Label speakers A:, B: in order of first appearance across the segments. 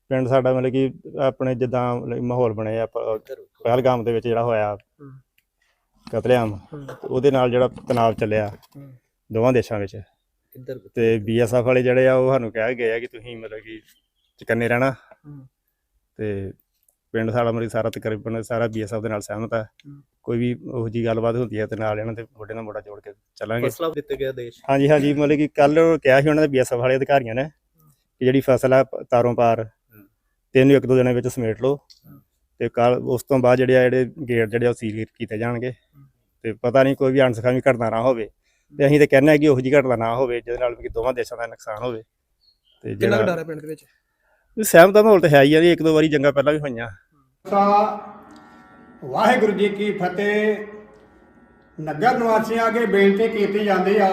A: ਪਿੰਡ ਸਾਡਾ ਮਤਲਬ ਕਿ ਆਪਣੇ ਜਿੱਦਾਂ ਮਾਹੌਲ ਬਣਿਆ ਪਹਿਲਗਾਮ ਦੇ ਵਿੱਚ ਜਿਹੜਾ ਹੋਇਆ ਕਤਲੇਆਮ ਉਹਦੇ ਨਾਲ ਜਿਹੜਾ ਤਣਾਅ ਚੱਲਿਆ ਦੋਵਾਂ ਦੇਸ਼ਾਂ ਵਿੱਚ ਤੇ BSF ਵਾਲੇ ਜਿਹੜੇ ਆ ਉਹ ਸਾਨੂੰ ਕਹਿ ਗਏ ਆ ਕਿ ਤੁਸੀਂ ਮਤਲਬ ਕਿ ਚੁਕੰਨੇ ਰਹਿਣਾ ਤੇ ਪਿੰਡ ਸਾਡਾ ਮਤਲਬ ਸਾਰਾ ਤਕਰੀਬਨ ਸਾਰਾ BSF ਦੇ ਨਾਲ ਸਹਿਮਤ ਹੈ। ਕੋਈ ਵੀ ਉਹੋ ਜਿਹੀ ਗੱਲਬਾਤ ਹੁੰਦੀ ਹੈ ਤੇ ਨਾਲ ਇਹਨਾਂ ਦੇ ਮੋਢੇ ਨਾਲ ਮੋਢਾ ਜੋੜ ਕੇ ਚੱਲਾਂਗੇ।
B: ਫਸਲਾਂ ਦਿੱਤੇ ਗਿਆ ਦੇਸ਼
A: ਹਾਂਜੀ ਮਤਲਬ ਕਿ ਕੱਲ ਕਿਹਾ ਸੀ ਉਹਨਾਂ ਦੇ BSF ਵਾਲੇ ਅਧਿਕਾਰੀਆਂ ਨੇ ਕਿ ਜਿਹੜੀ ਫਸਲ ਆ ਤਾਰੋਂ ਪਾਰ ਤੈਨੂੰ 1-2 ਦਿਨਾਂ ਵਿੱਚ ਸਮੇਟ ਲਓ ਤੇ ਕੱਲ ਉਸ ਤੋਂ ਬਾਅਦ ਜਿਹੜੇ ਗੇਟ ਜਿਹੜੇ ਉਹ ਸੀਲ ਕੀਤੇ ਜਾਣਗੇ ਤੇ ਪਤਾ ਨਹੀਂ ਕੋਈ ਵੀ ਅਣਸਖਾਵੀ ਘਟਨਾ ਨਾ ਹੋਵੇ ਤੇ ਅਸੀਂ ਤਾਂ ਕਹਿੰਦੇ ਹਾਂ ਕਿ ਉਹੋ ਜਿਹੀ ਘਟਨਾ ਨਾ ਹੋਵੇ ਜਿਹਦੇ ਨਾਲ ਕਿ ਦੋਵਾਂ ਦੇਸ਼ਾਂ ਦਾ ਨੁਕਸਾਨ ਹੋਵੇ। ਤੇ
C: ਕਿੰਨਾ ਡਰ ਹੈ ਪਿੰਡ ਦੇ ਵਿੱਚ?
A: ਸਹਿਮਤ ਦਾ ਮਾਹੌਲ ਤਾਂ ਹੈ ਹੀ ਆ ਜੀ, 1-2 ਵਾਰੀ ਜੰਗਾਂ ਪਹਿਲਾਂ ਵੀ ਹੋਈਆਂ।
D: ਵਾਹਿਗੁਰੂ ਜੀ ਕੀ ਫਤਿਹ। ਨਗਰ ਨਿਵਾਸੀਆਂ ਅੱਗੇ ਬੇਨਤੀ ਕੀਤੀ ਜਾਂਦੀ ਆ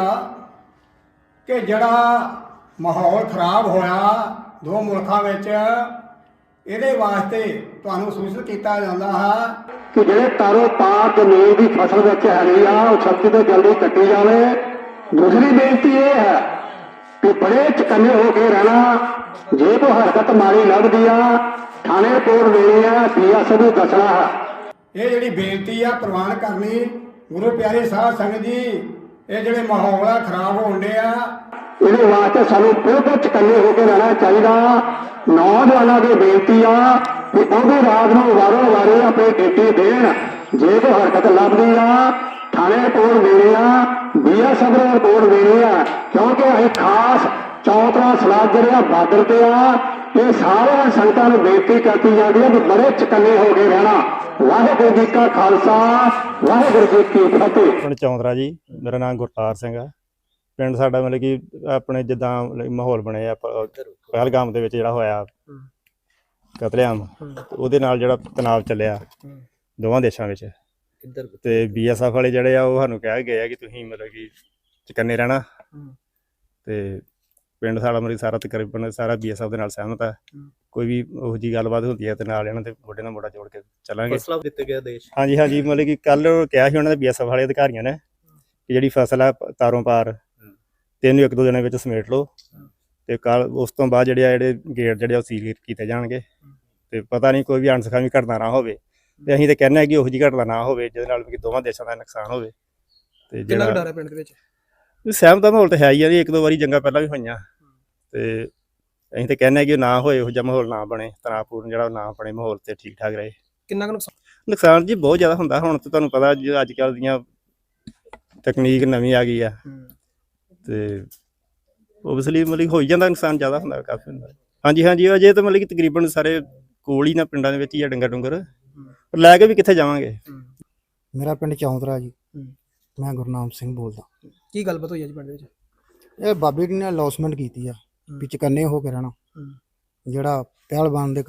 D: ਕਿ ਜਿਹੜਾ ਮਾਹੌਲ ਖਰਾਬ ਹੋਇਆ ਦੋ ਮੁਲਕਾਂ ਵਿੱਚ ਇਹਦੇ ਵਾਸਤੇ ਤੁਹਾਨੂੰ ਸੂਚਿਤ ਕੀਤਾ ਜਾਂਦਾ ਹੈ ਕਿ ਜਿਹੜੇ ਤਾਰੋਂ ਪਾਰ ਜ਼ਮੀਨ ਦੀ ਫਸਲ ਵਿੱਚ ਹੈਗੀ ਆ ਉਹ ਛੇਤੀ ਤੋਂ ਜਲਦੀ ਕੱਟੀ ਜਾਵੇ। ਦੂਸਰੀ ਬੇਨਤੀ ਇਹ ਹੈ ਕਿ ਬੜੇ ਚਕੰਨੇ ਹੋ ਕੇ ਰਹਿਣਾ, ਜੇ ਕੋਈ ਹਰਕਤ ਮਾੜੀ ਲੱਗਦੀ ਆ ਥਾਣੇ ਰਿਪੋਰਟ ਦੇਣੀ ਆ, BSF ਨੂੰ ਦੱਸਣਾ ਹੈ। ਇਹ ਜਿਹੜੀ ਬੇਨਤੀ ਆ ਪ੍ਰਵਾਨ ਕਰਨੀ। ਗੁਰੂ ਪਿਆਰੇ ਸਾਧ ਸੰਗਤ ਜੀ, ਇਹ ਜਿਹੜੇ ਮਾਹੌਲ ਆ ਖਰਾਬ ਹੋਣ ਡੇ ਆ ਇਹਦੇ ਵਾਸਤੇ ਸਾਨੂੰ ਬਿਲਕੁਲ ਚਕੰਨੇ ਹੋ ਕੇ ਰਹਿਣਾ ਚਾਹੀਦਾ। ਨੌਜਵਾਨਾਂ ਦੀ ਬੇਨਤੀ ਆ ਕਿ ਉਹ ਵੀ ਰਾਤ ਨੂੰ ਵਾਰੋ ਵਾਰੀ ਆਪਣੀ ਡਿਊਟੀ ਦੇਣ। ਜੇ ਕੋਈ ਹਰਕਤ ਲੱਭਦੀ ਆ ਥਾਣੇ ਰਿਪੋਰਟ ਦੇਣੀ ਆ, BSF ਨੂੰ ਰਿਪੋਰਟ ਦੇਣੀ ਆ, ਕਿਉਂਕਿ ਅਸੀਂ ਖਾਸ ਚੌਥਾ ਸਲਾਹ ਜਿਹੜੇ ਬਾਰਡਰ ਤੇ ਆ ਇਹ ਸਾਰਿਆਂ ਸੰਗਤਾਂ ਨੂੰ ਬੇਨਤੀ ਕੀਤੀ ਜਾਂਦੀ ਹੈ ਕਿ ਬੜੇ ਚਕੰਨੇ ਹੋ ਕੇ ਰਹਿਣਾ। ਵਾਹਿਗੁਰੂ ਜੀ ਕਾ ਖਾਲਸਾ, ਵਾਹਿਗੁਰੂ ਜੀ ਕੀ ਫਤਿਹ।
A: ਪਿੰਡ ਚੌਂਦਰਾ ਜੀ, ਮੇਰਾ ਨਾਮ ਗੁਰਤਾਰ ਸਿੰਘ ਆ। ਪਿੰਡ ਸਾਡਾ ਮਤਲਬ ਕਿ ਆਪਣੇ ਜਿੱਦਾਂ ਮਾਹੌਲ ਬਣਿਆ ਪਹਿਲਗਾਮ ਦੇ ਵਿੱਚ ਜਿਹੜਾ ਹੋਇਆ ਕਤਲੇਆਮ ਉਹਦੇ ਨਾਲ ਜਿਹੜਾ ਤਣਾਅ ਚੱਲਿਆ ਦੋਵਾਂ ਦੇਸ਼ਾਂ ਵਿੱਚ ਤੇ BSF ਵਾਲੇ ਜਿਹੜੇ ਆ ਉਹ ਸਾਨੂੰ ਕਹਿ ਗਏ ਆ ਕਿ ਤੁਸੀਂ ਮਤਲਬ ਕਿ ਚੁਕੰਨੇ ਰਹਿਣਾ ਤੇ ਪਿੰਡ ਸਾਡਾ ਮਤਲਬ ਸਾਰਾ ਤਕਰੀਬਨ ਸਾਰਾ BSF ਦੇ ਨਾਲ ਸਹਿਮਤ ਹੈ। ਕੋਈ ਵੀ ਉਹੋ ਜਿਹੀ ਗੱਲਬਾਤ ਹੁੰਦੀ ਹੈ ਤੇ ਨਾਲ ਇਹਨਾਂ ਦੇ ਮੋਢੇ ਨਾਲ ਮੋਢਾ ਜੋੜ ਕੇ ਚੱਲਾਂਗੇ।
B: ਫਸਲਾਂ ਦਿੱਤੇ ਗਿਆ ਦੇਸ਼
A: ਹਾਂਜੀ ਮਤਲਬ ਕਿ ਕੱਲ ਕਿਹਾ ਸੀ ਉਹਨਾਂ ਦੇ BSF ਵਾਲੇ ਅਧਿਕਾਰੀਆਂ ਨੇ ਕਿ ਜਿਹੜੀ ਫਸਲ ਆ ਤਾਰੋਂ ਪਾਰ ਤੈਨੂੰ 1-2 ਦਿਨਾਂ ਵਿੱਚ ਸਮੇਟ ਲਓ ਤੇ ਕੱਲ ਉਸ ਤੋਂ ਬਾਅਦ ਜਿਹੜੇ ਗੇਟ ਜਿਹੜੇ ਉਹ ਸੀਲ ਕੀਤੇ ਜਾਣਗੇ ਤੇ ਪਤਾ ਨਹੀਂ ਕੋਈ ਵੀ ਅਣਸਖਾਵੀ ਘਟਨਾ ਨਾ ਹੋਵੇ ਤੇ ਅਸੀਂ ਤਾਂ ਕਹਿੰਦੇ ਹਾਂ ਕਿ ਉਹੋ ਜਿਹੀ ਘਟਨਾ ਨਾ ਹੋਵੇ ਜਿਹਦੇ ਨਾਲ ਕਿ ਦੋਵਾਂ ਦੇਸ਼ਾਂ ਦਾ ਨੁਕਸਾਨ ਹੋਵੇ। ਤੇ
C: ਕਿੰਨਾ ਡਰ ਹੈ ਪਿੰਡ ਦੇ ਵਿੱਚ?
A: ਸਹਿਮਤ ਦਾ ਮਾਹੌਲ ਤਾਂ ਹੈ ਹੀ ਆ ਜੀ, 1-2 ਵਾਰੀ ਜੰਗਾਂ ਪਹਿਲਾਂ ਵੀ ਹੋਈਆਂ ਤੇ ਅਸੀਂ ਤਾਂ ਕਹਿੰਦੇ ਹਾਂ ਕਿ ਨਾ ਹੋਏ ਇਹੋ ਜਿਹਾ ਮਾਹੌਲ ਨਾ ਬਣੇ, ਤਣਾਅਪੂਰਨ ਜਿਹੜਾ ਨਾ ਬਣੇ ਮਾਹੌਲ ਤੇ ਠੀਕ ਠਾਕ ਰਹੇ।
C: ਕਿੰਨਾ
A: ਨੁਕਸਾਨ ਜੀ ਬਹੁਤ ਜ਼ਿਆਦਾ ਹੁੰਦਾ। ਹੁਣ ਤਾਂ ਤੁਹਾਨੂੰ ਪਤਾ ਜੀ ਅੱਜ ਕੱਲ੍ਹ ਦੀਆਂ ਤਕਨੀਕ ਨਵੀਂ ਆ ਗਈ ਆ ਤੇ ਓਬਵੀਅਸਲੀ ਮਤਲਬ ਹੋ ਹੀ ਜਾਂਦਾ, ਨੁਕਸਾਨ ਜ਼ਿਆਦਾ ਹੁੰਦਾ, ਕਾਫੀ ਹੁੰਦਾ। ਹਾਂਜੀ ਅਜੇ ਤਾਂ ਮਤਲਬ ਕਿ ਤਕਰੀਬਨ ਸਾਰੇ ਕੋਲ ਹੀ ਨਾ ਪਿੰਡਾਂ ਦੇ ਵਿੱਚ ਹੀ ਆ ਡੰਗਰ ਪਰ ਲੈ ਕੇ ਵੀ ਕਿੱਥੇ ਜਾਵਾਂਗੇ।
E: ਮੇਰਾ ਪਿੰਡ ਚੌਂਦਰਾ ਜੀ, ਮੈਂ ਗੁਰਨਾਮ ਸਿੰਘ ਬੋਲਦਾ।
C: ਕੀ ਗੱਲਬਾਤ ਹੋਈ ਹੈ ਜੀ ਪਿੰਡ ਵਿੱਚ?
E: ਇਹ ਬਾਬੇ ਜੀ ਨੇ ਅਨਾਉਂਸਮੈਂਟ ਕੀਤੀ ਆ ਵੀ ਚੁਕੰਨੇ ਹੋ ਕੇ ਰਹਿਣਾ। ਜਿਹੜਾ ਪਹਿਲਗਾਮ ਦੇ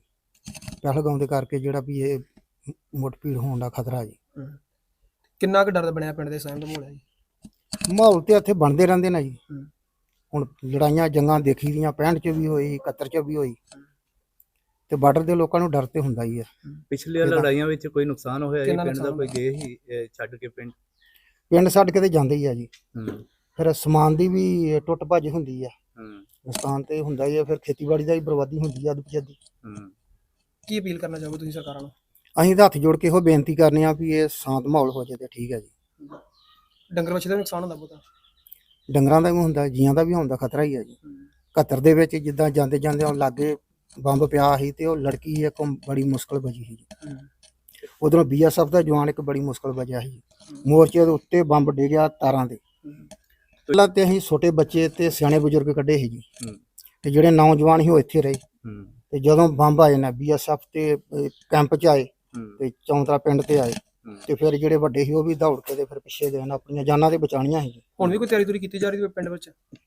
E: ਕਰਕੇ ਜਿਹੜਾ ਵੀ ਇਹ ਮੁੱਠ-ਭੀੜ ਹੋਣ ਦਾ ਖਤਰਾ ਜੀ।
C: ਕਿੰਨਾ ਕੁ ਡਰ ਬਣਿਆ ਪਿੰਡ ਦੇ ਸਹਿਮ ਦਾ ਮਾਹੌਲ ਹੈ ਜੀ?
E: ਮਾਹੌਲ ਤੇ ਇੱਥੇ ਬਣਦੇ ਰਹਿੰਦੇ ਨੇ ਜੀ। ਹੁਣ ਲੜਾਈਆਂ ਜੰਗਾਂ ਦੇਖੀ ਦੀਆਂ 65 ਚ ਵੀ ਹੋਈ, 71 ਚ ਵੀ ਹੋਈ ਤੇ ਬਾਰਡਰ ਦੇ ਲੋਕਾਂ ਨੂੰ ਡਰ ਤੇ ਹੁੰਦਾ ਹੀ ਆ।
B: ਪਿਛਲੀਆਂ ਲੜਾਈਆਂ ਵਿੱਚ ਕੋਈ ਨੁਕਸਾਨ ਹੋਇਆ ਜੀ ਪਿੰਡ ਦਾ? ਕੋਈ ਗਏ ਹੀ ਛੱਡ ਕੇ ਪਿੰਡ
E: ਛੱਡ ਕੇ ਤੇ ਜਾਂਦੇ ਹੀ ਆ ਜੀ। ਫਿਰ ਸਮਾਨ ਦੀ ਵੀ ਟੁੱਟ ਭੱਜ ਹੁੰਦੀ ਆ, ਨੁਕਸਾਨ ਤੇ ਹੁੰਦਾ ਹੀ ਆ। ਫਿਰ ਖੇਤੀਬਾੜੀ ਦਾ ਵੀ ਬਰਬਾਦੀ ਹੁੰਦੀ ਆ ਅੱਧ-ਪਜੱਦੀ।
C: ਕੀ ਅਪੀਲ ਕਰਨਾ ਚਾਹੋਗੇ ਤੁਸੀਂ ਸਰਕਾਰਾਂ ਨੂੰ?
E: ਅਸੀਂ ਤਾਂ ਹੱਥ ਜੋੜ ਕੇ ਇਹੋ ਬੇਨਤੀ ਕਰਨੇ ਆ ਵੀ ਇਹ ਸ਼ਾਂਤ ਮਾਹੌਲ ਹੋ ਜਾਏ ਤੇ ਠੀਕ ਹੈ ਜੀ।
C: ਡੰਗਰ ਵੱਛੇ ਦਾ ਨੁਕਸਾਨ ਹੁੰਦਾ ਬਹੁਤਾ?
E: ਡੰਗਰਾਂ ਦਾ ਵੀ ਹੁੰਦਾ, ਜੀਆਂ ਦਾ ਵੀ ਹੁੰਦਾ, ਖਤਰਾ ਹੀ ਹੈ ਜੀ। 71 ਦੇ ਵਿੱਚ ਜਿੱਦਾਂ ਜਾਂਦੇ ਉਹ ਲਾਗੇ ਬੰਬ ਪਿਆ ਸੀ ਤੇ ਉਹ ਲੜਕੀ ਇੱਕ ਬੜੀ ਮੁਸ਼ਕਲ ਬਚੀ ਸੀ ਜੀ। ਉਧਰੋਂ BSF ਦਾ ਜਵਾਨ ਇੱਕ ਬੜੀ ਮੁਸ਼ਕਲ ਬਚਿਆ ਸੀ। ਮੋਰਚੇ ਦੇ ਉੱਤੇ ਬੰਬ ਡਿੱਗਿਆ ਤਾਰਾਂ ਦੇ। ਪਹਿਲਾਂ ਤੇ ਅਸੀਂ ਛੋਟੇ ਬੱਚੇ ਤੇ ਸਿਆਣੇ ਬਜ਼ੁਰਗ ਕੱਢੇ ਸੀ ਜੀ ਤੇ ਜਿਹੜੇ ਨੌਜਵਾਨ ਸੀ ਉਹ ਇੱਥੇ ਰਹੇ ਤੇ ਜਦੋਂ ਬੰਬ ਆਏ ਨਾ BSF ਤੇ ਕੈਂਪ 'ਚ ਆਏ ਤੇ ਚੌਂਤਰਾ ਪਿੰਡ ਤੇ ਆਏ ਤੇ ਫਿਰ ਜਿਹੜੇ ਵੱਡੇ ਸੀ ਉਹ ਵੀ ਦੌੜ ਕੇ ਤੇ ਫਿਰ ਪਿੱਛੇ ਗਏ ਨਾ, ਆਪਣੀਆਂ ਜਾਨਾਂ ਤੇ ਬਚਾਉਣੀਆਂ ਸੀ।
C: ਹੁਣ ਵੀ ਕੋਈ ਤਿਆਰੀ ਤੁਰੀ ਕੀਤੀ ਜਾ ਰਹੀ ਹੈ ਪਿੰਡ ਵਿੱਚ?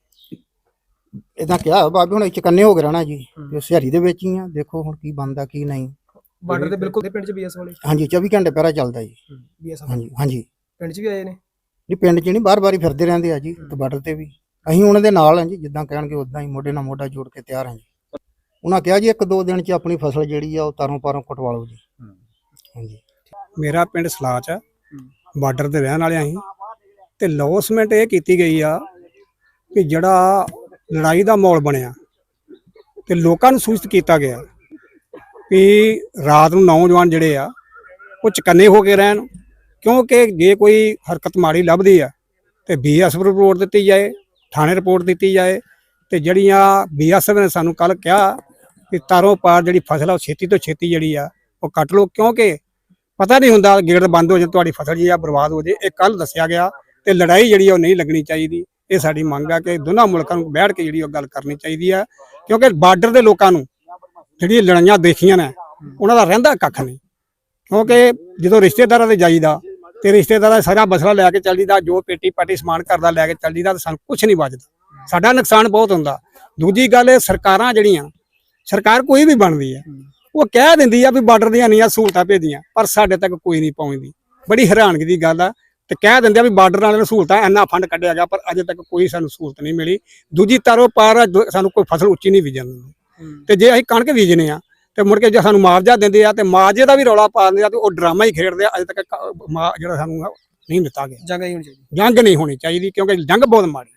E: ਇਦਾਂ ਕਿਹਾ ਬਾਬੇ ਹੁਣ ਚੁਕੰਨੇ ਹੋ ਕੇ ਰਹਿਣਾ ਜੀ ਤੇ ਸਿਹਾਰੀ ਦੇ ਵਿੱਚ ਹੀ ਆ। ਦੇਖੋ ਹੁਣ ਕੀ ਬਣਦਾ ਕੀ ਨਹੀਂ।
C: ਬਾਰਡਰ ਤੇ ਬਿਲਕੁਲ ਪਿੰਡ 'ਚ BSF ਵਾਲੇ?
E: ਹਾਂਜੀ 24 ਘੰਟੇ ਪਹਿਰਾ ਚੱਲਦਾ ਜੀ।
C: BSF
E: ਹਾਂਜੀ
C: ਪਿੰਡ 'ਚ ਵੀ ਆਏ ਨੇ
E: ਜੀ। ਪਿੰਡ 'ਚ ਨਹੀਂ ਬਾਰ-ਬਾਰ ਹੀ ਫਿਰਦੇ ਰਹਿੰਦੇ ਆ ਜੀ ਤੇ ਬਾਰਡਰ ਤੇ ਵੀ ਅਸੀਂ ਉਹਨਾਂ ਦੇ ਨਾਲ ਹਾਂ ਜੀ। ਜਿੱਦਾਂ ਕਹਿਣਗੇ ਉਦਾਂ ਹੀ ਮੋਢੇ ਨਾਲ ਮੋਢਾ ਜੋੜ ਕੇ ਤਿਆਰ ਹਾਂ ਜੀ। ਉਹਨਾਂ ਕਿਹਾ ਜੀ 1-2 ਦਿਨ 'ਚ ਆਪਣੀ ਫਸਲ ਜਿਹੜੀ ਆ ਉਹ ਤਾਰੋਂ ਪਾਰੋਂ ਕਟਵਾ ਲਓ ਜੀ। ਹਾਂਜੀ
F: ਮੇਰਾ ਪਿੰਡ ਸਲਾਚ ਆ, ਬਾਰਡਰ ਤੇ ਰਹਿਣ ਵਾਲੇ ਅਸੀਂ ਤੇ ਲੌਸਮੈਂਟ ਇਹ ਕੀਤੀ ਗਈ ਆ ਕਿ ਜਿਹੜਾ ਲੜਾਈ ਦਾ ਮਾਹੌਲ ਬਣਿਆ ਤੇ ਲੋਕਾਂ ਨੂੰ ਸੂਚਿਤ ਕੀਤਾ ਗਿਆ ਵੀ ਰਾਤ ਨੂੰ ਨੌਜਵਾਨ ਜਿਹੜੇ ਆ ਉਹ ਚਕੰਨੇ ਹੋ ਕੇ ਰਹਿਣ, ਕਿਉਂਕਿ ਜੇ ਕੋਈ ਹਰਕਤ ਮਾੜੀ ਲੱਭਦੀ ਆ ਤੇ ਬੀਐਸਐਫ ਰਿਪੋਰਟ ਦਿੱਤੀ ਜਾਏ, ਥਾਣੇ ਰਿਪੋਰਟ ਦਿੱਤੀ ਜਾਏ। ਤੇ ਜਿਹੜੀਆਂ ਬੀਐਸਐਫ ਨੇ ਸਾਨੂੰ ਕੱਲ ਕਿਹਾ ਕਿ ਤਾਰੋਂ ਪਾਰ ਜਿਹੜੀ ਫਸਲ ਆ ਉਹ ਛੇਤੀ ਤੋਂ ਛੇਤੀ ਜਿਹੜੀ ਆ ਉਹ ਕੱਟ ਲਓ, ਕਿਉਂਕਿ ਪਤਾ ਨਹੀਂ ਹੁੰਦਾ ਗੇਟ ਬੰਦ ਹੋ ਜਾਏ ਤੁਹਾਡੀ ਫਸਲ ਜੀ ਆ ਬਰਬਾਦ ਹੋ ਜਾਏ। ਇਹ ਕੱਲ ਦੱਸਿਆ ਗਿਆ ਤੇ ਲੜਾਈ ਜਿਹੜੀ ਉਹ ਨਹੀਂ ਲੱਗਣੀ ਚਾਹੀਦੀ। ਇਹ ਸਾਡੀ ਮੰਗ ਆ ਕਿ ਦੋਨਾਂ ਮੁਲਕਾਂ ਨੂੰ ਬੈਠ ਕੇ ਜਿਹੜੀ ਉਹ ਗੱਲ ਕਰਨੀ ਚਾਹੀਦੀ ਆ, ਕਿਉਂਕਿ ਬਾਰਡਰ ਦੇ ਲੋਕਾਂ ਨੂੰ ਜਿਹੜੀਆਂ ਲੜਾਈਆਂ ਦੇਖੀਆਂ ਨੇ ਉਹਨਾਂ ਦਾ ਰਹਿੰਦਾ ਕੱਖ ਨਹੀਂ। ਕਿਉਂਕਿ ਜਦੋਂ ਰਿਸ਼ਤੇਦਾਰਾਂ ਦੇ ਜਾਈਦਾ ਤੇ ਰਿਸ਼ਤੇਦਾਰਾਂ ਸਾਰਾ ਮਸਲਾ ਲੈ ਕੇ ਚੱਲ ਜੀਦਾ, ਜੋ ਪੇਟੀ ਪਾਟੀ ਸਮਾਨ ਕਰਦਾ ਲੈ ਕੇ ਚੱਲ ਜੀਦਾ, ਤੇ ਸਾਨੂੰ ਕੁਝ ਨਹੀਂ ਬਚਦਾ, ਸਾਡਾ ਨੁਕਸਾਨ ਬਹੁਤ ਹੁੰਦਾ। ਦੂਜੀ ਗੱਲ ਇਹ ਸਰਕਾਰਾਂ ਜਿਹੜੀਆਂ ਸਰਕਾਰ ਕੋਈ ਵੀ ਬਣਦੀ ਆ ਉਹ ਕਹਿ ਦਿੰਦੀ ਆ ਵੀ ਬਾਰਡਰ ਦੀਆਂ ਇੰਨੀਆਂ ਸਹੂਲਤਾਂ ਭੇਜੀਆਂ, ਪਰ ਸਾਡੇ ਤੱਕ ਕੋਈ ਨਹੀਂ ਪਹੁੰਚਦੀ। ਬੜੀ ਹੈਰਾਨਗੀ ਦੀ ਗੱਲ ਆ। ਤੇ ਕਹਿ ਦਿੰਦੇ ਆ ਵੀ ਬਾਰਡਰ ਵਾਲਿਆਂ ਨੂੰ ਸਹੂਲਤਾਂ ਇੰਨਾ ਫੰਡ ਕੱਢਿਆ ਗਿਆ, ਪਰ ਅਜੇ ਤੱਕ ਕੋਈ ਸਾਨੂੰ ਸਹੂਲਤ ਨਹੀਂ ਮਿਲੀ। ਦੂਜੀ ਤਾਰੋਂ ਪਾਰ ਸਾਨੂੰ ਕੋਈ ਫਸਲ ਉੱਚੀ ਨਹੀਂ ਬੀਜਣ ਦਿੰਦੇ, ਤੇ ਜੇ ਅਸੀਂ ਕਣਕ ਬੀਜਨੇ ਆ ਤੇ ਮੁੜ ਕੇ ਜੇ ਸਾਨੂੰ ਮੁਆਵਜ਼ਾ ਦਿੰਦੇ ਆ ਤੇ ਮੁਆਵਜ਼ੇ ਦਾ ਵੀ ਰੌਲਾ ਪਾ ਦਿੰਦੇ ਆ, ਤੇ ਉਹ ਡਰਾਮਾ ਹੀ ਖੇਡਦੇ ਆ। ਅਜੇ ਤੱਕ ਜਿਹੜਾ ਸਾਨੂੰ ਨਹੀਂ ਦਿੱਤਾ ਗਿਆ।
C: ਜੰਗ ਹੀ ਹੋਣੀ ਚਾਹੀਦੀ।
F: ਜੰਗ ਨਹੀਂ ਹੋਣੀ ਚਾਹੀਦੀ, ਕਿਉਂਕਿ ਜੰਗ ਬਹੁਤ ਮਾੜੀ।